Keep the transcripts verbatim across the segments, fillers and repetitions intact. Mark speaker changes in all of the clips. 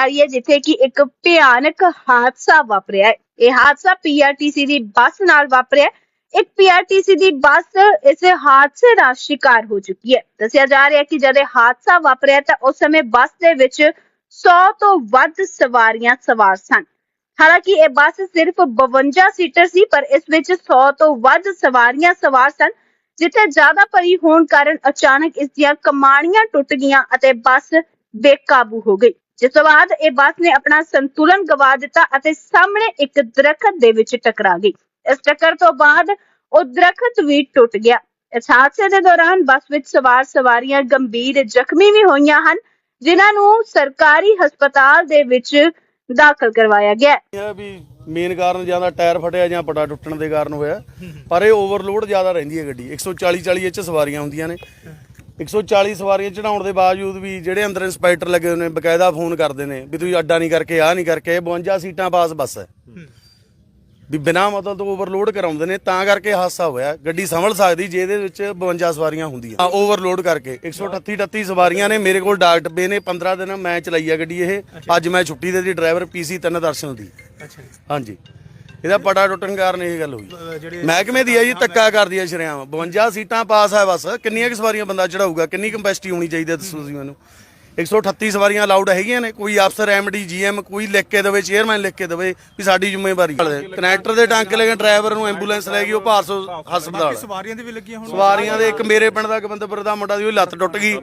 Speaker 1: ਜਾ ਰਹੀ ਹੈ ਜਿੱਥੇ ਕਿ ਇੱਕ ਭਿਆਨਕ ਹਾਦਸਾ ਵਾਪਰਿਆ ਹੈ। ਇਹ ਹਾਦਸਾ ਪੀਆਰਟੀਸੀ ਦੀ ਬੱਸ ਨਾਲ ਵਾਪਰਿਆ। ਇੱਕ ਪੀਆਰਟੀਸੀ ਦੀ ਬੱਸ ਇਸ ਹਾਦਸੇ ਦਾ ਸ਼ਿਕਾਰ ਹੋ ਚੁੱਕੀ ਹੈ। ਦੱਸਿਆ ਜਾ ਰਿਹਾ ਹੈ ਕਿ ਜਦ ਇਹ ਹਾਦਸਾ ਵਾਪਰਿਆ ਤਾਂ ਉਸ ਸਮੇਂ ਬੱਸ ਦੇ ਵਿੱਚ ਸੌ ਤੋਂ ਵੱਧ ਸਵਾਰੀਆਂ ਸਵਾਰ ਸਨ। ਹਾਲਾਂਕਿ ਇਹ ਬੱਸ ਸਿਰਫ ਬਵੰਜਾ ਸੀਟਰ ਸੀ, ਪਰ ਇਸ ਵਿੱਚ ਸੌ ਤੋਂ ਵੱਧ ਸਵਾਰੀਆਂ ਸਵਾਰ ਸਨ, ਜਿੱਥੇ ਜ਼ਿਆਦਾ ਭਰੀ ਹੋਣ ਕਾਰਨ ਅਚਾਨਕ ਇਸ ਦੀਆਂ ਕਮਾਣੀਆਂ ਟੁੱਟ ਗਈਆਂ ਅਤੇ ਬੱਸ ਬੇਕਾਬੂ ਹੋ ਗਈ, ਜਿਸ ਤੋਂ ਬਾਅਦ ਇਹ ਬੱਸ ਨੇ ਆਪਣਾ ਸੰਤੁਲਨ ਗਵਾ ਦਿੱਤਾ ਅਤੇ ਸਾਹਮਣੇ ਇੱਕ ਦਰਖਤ ਦੇ ਵਿੱਚ ਟਕਰਾ ਗਈ। ਇਸ ਟੱਕਰ ਤੋਂ ਬਾਅਦ ਉਹ ਦਰਖਤ ਵੀ ਟੁੱਟ ਗਿਆ। ਇਸ ਹਾਦਸੇ ਦੇ ਦੌਰਾਨ ਬੱਸ ਵਿੱਚ ਸਵਾਰ ਸਵਾਰੀਆਂ ਗੰਭੀਰ ਜ਼ਖਮੀ ਵੀ ਹੋਈਆਂ ਹਨ, ਜਿਨ੍ਹਾਂ ਨੂੰ ਸਰਕਾਰੀ ਹਸਪਤਾਲ ਦੇ ਵਿੱਚ ਦਾਖਲ ਕਰਵਾਇਆ ਗਿਆ
Speaker 2: ਹੈ। ਵੀ ਮੇਨ ਕਾਰਨ ਜਾਂ ਤਾਂ ਟਾਇਰ ਫਟਿਆ ਜਾਂ ਪਟਾ ਟੁੱਟਣ ਦੇ ਕਾਰਨ ਹੋਇਆ, ਪਰ ਇਹ ਓਵਰਲੋਡ ਜ਼ਿਆਦਾ ਰਹਿੰਦੀ ਹੈ ਗੱਡੀ। ਇੱਕ ਸੌ ਚਾਲੀ ਚਾਲੀ ਚ ਸਵਾਰੀਆਂ ਹੁੰਦੀਆਂ ਨੇ। ਇੱਕ ਸੌ ਚਾਲੀ ਸਵਾਰੀਆਂ ਚੜਾਉਣ ਦੇ ਬਾਵਜੂਦ ਵੀ ਜਿਹੜੇ ਅੰਦਰ ਇੰਸਪੈਕਟਰ ਲੱਗੇ ਹੋਏ ਨੇ ਬਕਾਇਦਾ ਫੋਨ ਕਰਦੇ ਨੇ ਵੀ ਤੁਸੀਂ ਅੱਡਾ ਨਹੀਂ ਕਰਕੇ ਆਹ ਨਹੀਂ ਕਰਕੇ। ਬਵੰਜਾ ਸੀਟਾਂ ਪਾਸ ਬੱਸ ਹੈ, ਵੀ ਬਿਨਾਂ ਮਤਲਬ ਤੋਂ ਓਵਰਲੋਡ ਕਰਾਉਂਦੇ ਨੇ, ਤਾਂ ਕਰਕੇ ਹਾਦਸਾ ਹੋਇਆ। ਗੱਡੀ ਸੰਭਲ ਸਕਦੀ ਜੇ ਇਹਦੇ ਵਿੱਚ ਬਵੰਜਾ ਸਵਾਰੀਆਂ ਹੁੰਦੀਆਂ। ਓਵਰਲੋਡ ਕਰਕੇ ਇੱਕ ਸੌ ਅਠੱਤੀ ਅਠੱਤੀ ਸਵਾਰੀਆਂ ਨੇ। ਮੇਰੇ ਕੋਲ ਡਾਕ ਡੱਬੇ ਨੇ। ਪੰਦਰਾਂ ਦਿਨ ਮੈਂ ਚਲਾਈ ਆ ਗੱਡੀ ਇਹ। ਅੱਜ ਮੈਂ ਛੁੱਟੀ ਦੇ ਦੀ ਡਰਾਈਵਰ ਪੀਸੀ ਤਿੰਨ ਦਰਸ਼ਨ ਦੀ। ਹਾਂਜੀ, ਇਹਦਾ ਪਟਾ ਟੁੱਟਣ ਕਾਰਨ ਇਹ ਗੱਲ ਹੋਈ। ਮਹਿਕਮੇ ਦੀ ਹੈ ਜੀ, ਧੱਕਾ ਕਰਦੀ ਹੈ ਸ਼ਰੇਆਮ। ਬਵੰਜਾ ਸੀਟਾਂ ਪਾਸ ਹੈ ਬੱਸ। ਕਿੰਨੀਆਂ ਕੁ ਸਵਾਰੀਆਂ ਬੰਦਾ ਚੜਾਊਗਾ? ਕਿੰਨੀ ਕੰਪੈਸਿਟੀ ਹੋਣੀ ਚਾਹੀਦੀ ਹੈ ਦੱਸੋ ਤੁਸੀਂ ਮੈਨੂੰ। ਇੱਕ ਸੌ ਅਠੱਤੀ ਸਵਾਰੀਆਂ ਅਲਾਊਡ ਹੈਗੀਆਂ ਨੇ। ਕੋਈ ਅਫਸਰ ਐਮਡੀ ਜੀਐਮ ਕੋਈ ਲਿਖ ਕੇ ਦੇਵੇ, ਚੇਅਰਮੈਨ ਲਿਖ ਕੇ ਦੇਵੇ ਵੀ ਸਾਡੀ ਜ਼ਿੰਮੇਵਾਰੀ। ਕਨੈਕਟਰ ਦੇ ਟਾਂਕੇ ਲੈ ਕੇ ਡਰਾਈਵਰ ਨੂੰ ਐਂਬੂਲੈਂਸ ਲੈ ਗਈ, ਉਹ ਭਾਰਸੋ ਹਸਪਤਾਲ।
Speaker 3: ਸਵਾਰੀਆਂ ਦੇ ਵੀ ਲੱਗੀਆਂ ਹੁਣ।
Speaker 2: ਸਵਾਰੀਆਂ ਦੇ ਇੱਕ ਮੇਰੇ ਪਿੰਡ ਦਾ ਗਵਿੰਦਪੁਰ ਦਾ ਮੁੰਡਾ ਦੀ ਉਹ ਲੱਤ ਟੁੱਟ ਗਈ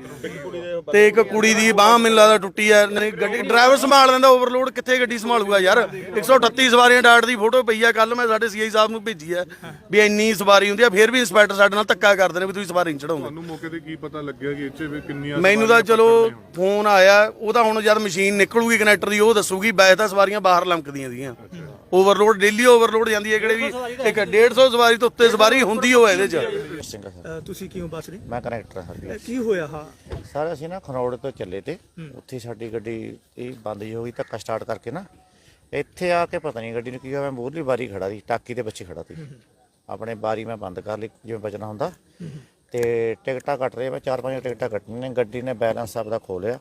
Speaker 2: ਤੇ ਇੱਕ ਕੁੜੀ ਦੀ ਬਾਂਹ ਮੈਨੂੰ ਲੱਗਦਾ ਟੁੱਟੀ ਹੈ। ਗੱਡੀ ਡਰਾਈਵਰ ਸੰਭਾਲ ਲੈਂਦਾ, ਓਵਰਲੋਡ ਕਿੱਥੇ ਗੱਡੀ ਸੰਭਾਲੂਗਾ ਯਾਰ। ਇੱਕ ਸੌ ਅਠੱਤੀ ਸਵਾਰੀਆਂ ਡਾਟ ਦੀ ਫੋਟੋ ਪਈ ਆ, ਕੱਲ ਮੈਂ ਸਾਡੇ ਸੀਆਈ ਸਾਹਿਬ ਨੂੰ ਭੇਜੀ ਹੈ ਵੀ ਇੰਨੀ ਸਵਾਰੀ ਹੁੰਦੀ ਆ, ਫਿਰ ਵੀ ਇੰਸਪੈਕਟਰ ਸਾਡੇ ਨਾਲ ਧੱਕਾ ਕਰਦੇ ਨੇ ਵੀ ਤੁਸੀਂ ਸਵਾਰੀ ਨਹੀਂ ਚੜਾਉਂਦੇ।
Speaker 4: ਤੁਹਾਨੂੰ ਮੌਕੇ ਤੇ ਕੀ ਪਤਾ ਲੱਗਿਆ ਕਿ ਇੱਥੇ ਕਿੰਨੀਆਂ?
Speaker 2: ਮੈਨੂੰ ਤਾਂ ਚਲੋ ਫੋਨ ਆਇਆ, ਉਹ ਤਾਂ ਹੁਣ ਜਦ ਮਸ਼ੀਨ ਨਿਕਲੂਗੀ ਕਨੈਕਟਰ ਦੀ ਉਹ ਦੱਸੂਗੀ। ਵੈਸੇ ਤਾਂ ਸਵਾਰੀਆਂ ਬਾਹਰ ਲੰਕਦੀਆਂ ਸੀਗੀਆਂ। ਓਵਰਲੋਡ ਡੇਲੀ ਓਵਰਲੋਡ ਜਾਂਦੀ ਹੈ। ਕਿਹੜੇ ਵੀ ਇੱਕ ਡੇਢ ਸੌ ਸਵਾਰੀ ਤੋਂ ਉੱਤੇ ਸਵਾਰੀ ਹੁੰਦੀ ਹੋਵੇ ਇਹਦੇ ਚ।
Speaker 3: ਤੁਸੀਂ ਕਿਉਂ ਬੱਸ ਰਹੇ?
Speaker 5: ਮੈਂ ਕਨੈਕਟਰ ਹਾਂ ਜੀ।
Speaker 3: ਕੀ ਹੋਇਆ? ਹਾਂ
Speaker 5: ਸਰ ਅਸੀਂ ਨਾ ਖਰੋੜ ਤੋਂ ਚੱਲੇ ਤੇ ਉੱਥੇ ਸਾਡੀ ਗੱਡੀ ਇਹ ਬੰਦ ਜੀ ਹੋ ਗਈ। ਧੱਕਾ ਸਟਾਰਟ ਕਰਕੇ ਨਾ ਇੱਥੇ ਆ ਕੇ ਪਤਾ ਨਹੀਂ ਗੱਡੀ ਨੂੰ ਕੀ ਹੋਇਆ। ਮੈਂ ਮੂਹਰਲੀ ਬਾਰੀ ਖੜਾ ਸੀ, ਟਾਕੀ ਦੇ ਪਿੱਛੇ ਖੜਾ ਸੀ। ਆਪਣੇ ਬਾਰੀ ਮੈਂ ਬੰਦ ਕਰ ਲਈ ਜਿਵੇਂ ਬਚਣਾ ਹੁੰਦਾ, ਤੇ ਟਿਕਟਾਂ ਕੱਟ ਰਹੇ। ਮੈਂ ਚਾਰ ਪੰਜ ਟਿਕਟਾਂ ਕੱਟਣੀਆਂ ਨੇ। ਗੱਡੀ ਨੇ ਬੈਲੈਂਸ ਆਪਦਾ ਖੋ ਲਿਆ।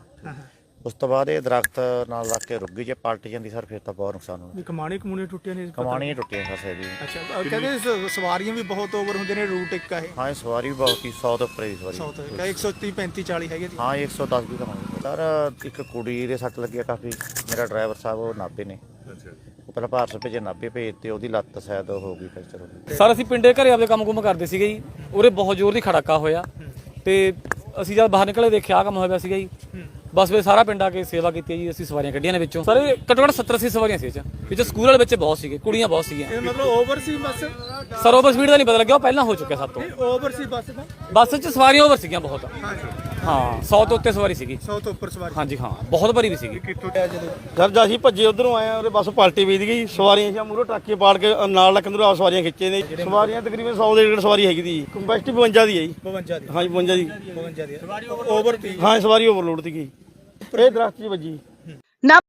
Speaker 5: ਉਸ ਤੋਂ ਬਾਅਦ ਇਹ ਦਰਖਤ ਨਾਲ ਲੱਗ ਕੇ ਰੁਕ ਗਈ। ਜੇ ਪਲਟ ਜਾਂਦੀ ਸਰ ਫਿਰ ਤਾਂ ਬਹੁਤ ਨੁਕਸਾਨ ਹੋਣਾ।
Speaker 3: ਕਮਾਣੀ ਕਮੂਣੀ ਟੁੱਟੀਆਂ ਨੇ?
Speaker 5: ਕਮਾਣੀਆਂ ਟੁੱਟੀਆਂ ਸਰ ਸਾਡੀ।
Speaker 3: ਅੱਛਾ, ਕਹਿੰਦੇ ਸਵਾਰੀਆਂ ਵੀ ਬਹੁਤ ਓਵਰ ਹੁੰਦੇ ਨੇ। ਰੂਟ ਇੱਕ ਹੈ।
Speaker 5: ਹਾਂ, ਸਵਾਰੀ ਵੀ ਬਹੁਤ ਸੀ। ਸੌ ਤੋਂ ਉੱਪਰ ਦੀ ਸਵਾਰੀ।
Speaker 3: ਸੌ ਤੋਂ ਇੱਕ ਸੌ ਤੀਹ ਪੈਂਤੀ ਚਾਲੀ ਹੈਗੇ ਜੀ।
Speaker 5: ਹਾਂ, ਇੱਕ ਸੌ ਦਸ ਵੀ ਤਾਂ ਹੋਣੀ ਸਰ। ਇੱਕ ਕੁੜੀ ਦੇ ਸੱਟ ਲੱਗਿਆ ਕਾਫੀ। ਮੇਰਾ ਡਰਾਈਵਰ ਸਾਹਿਬ ਉਹ ਨਾਭੇ ਨੇ। ਉਹ ਪਹਿਲਾਂ ਭਾਰਤ ਭੇਜੇ, ਨਾਭੇ ਭੇਜ ਤੇ ਉਹਦੀ ਲੱਤ ਸ਼ਾਇਦ ਹੋ ਗਈ ਫ੍ਰੈਕਚਰ ਹੋ ਗਈ।
Speaker 6: ਸਰ ਅਸੀਂ ਪਿੰਡੇ ਘਰੇ ਆਪਦੇ ਕੰਮ ਕੁਮ ਕਰਦੇ ਸੀਗੇ ਜੀ। ਉਰੇ ਬਹੁਤ ਜ਼ੋਰ ਦੀ ਖੜਾਕਾ ਹੋਇਆ ਤੇ ਅਸੀਂ ਜਦ ਬਾਹਰ ਨਿਕਲੇ ਦੇਖਿਆ ਆ ਕੰਮ ਹੋਇਆ ਪਿਆ ਸੀਗਾ ਜੀ। ਬਸ ਵਿੱਚ ਸਾਰਾ ਪਿੰਡ ਆ ਕੇ ਸੇਵਾ ਕੀਤੀ ਜੀ। ਅਸੀਂ ਸਵਾਰੀਆਂ ਕੱਢੀਆਂ ਨੇ ਵਿੱਚੋਂ। ਸਰ ਘੱਟੋ ਘੱਟ ਸੱਤਰ ਅੱਸੀ ਸਵਾਰੀਆਂ ਸੀ ਵਿੱਚ। ਸਕੂਲ ਵਾਲੇ ਬੱਚੇ ਬਹੁਤ ਸੀਗੇ, ਕੁੜੀਆਂ ਬਹੁਤ ਸੀਗੀਆਂ।
Speaker 3: ਇਹ ਮਤਲਬ ਓਵਰ ਸੀ ਬੱਸ?
Speaker 6: ਸਰ ਓਵਰ ਸਪੀਡ ਦਾ ਨਹੀਂ ਪਤਾ ਲੱਗਿਆ, ਉਹ ਪਹਿਲਾਂ ਹੋ ਚੁੱਕਿਆ ਸਾਡੇ ਤੋਂ।
Speaker 3: ਓਵਰ ਸੀ ਬੱਸ ਦਾ?
Speaker 6: ਬੱਸ 'ਚ ਸਵਾਰੀਆਂ ਓਵਰ ਸੀਗੀਆਂ ਬਹੁਤ। ਹਾਂ, ਸੌ ਤੋਂ ਉੱਤੇ ਸਵਾਰੀ ਸੀਗੀ।
Speaker 3: ਸੌ ਤੋਂ ਉੱਪਰ ਸਵਾਰੀ? ਹਾਂਜੀ
Speaker 6: ਹਾਂ, ਬਹੁਤ ਭਰੀ ਵੀ ਸੀਗੀ।
Speaker 2: ਸਰ ਜਦ ਅਸੀਂ ਭੱਜੇ ਉਧਰੋਂ ਆਏ ਆ, ਬੱਸ ਪਲਟੀ ਵੀਦ ਗਈ। ਸਵਾਰੀਆਂ ਜਾਂ ਮੂਹਰੋਂ ਟਰੱਕੇ ਪਾੜ ਕੇ ਨਾਲ ਲੱਕੰਦਰੋਂ ਆ ਸਵਾਰੀਆਂ ਖਿੱਚੇ ਨੇ। ਸਵਾਰੀਆਂ ਤਕਰੀਬਨ ਸੌ ਦੇ ਡੇਢ ਸਵਾਰੀ ਹੈਗੀ ਦੀ। ਕੰਪੈਸਿਟੀ ਬਵੰਜਾ ਦੀ ਹੈ ਜੀ।
Speaker 3: ਬਵੰਜਾ ਦੀ?
Speaker 2: ਹਾਂਜੀ ਬਵੰਜਾ ਦੀ।
Speaker 3: ਬਵੰਜਾ ਦੀ ਓਵਰ?
Speaker 2: ਹਾਂ, ਸਵਾਰੀ ਓਵਰਲੋਡ ਸੀ ਗਈ। ਇਹ ਦਰਖਤ 'ਚ ਵੱਜੀ।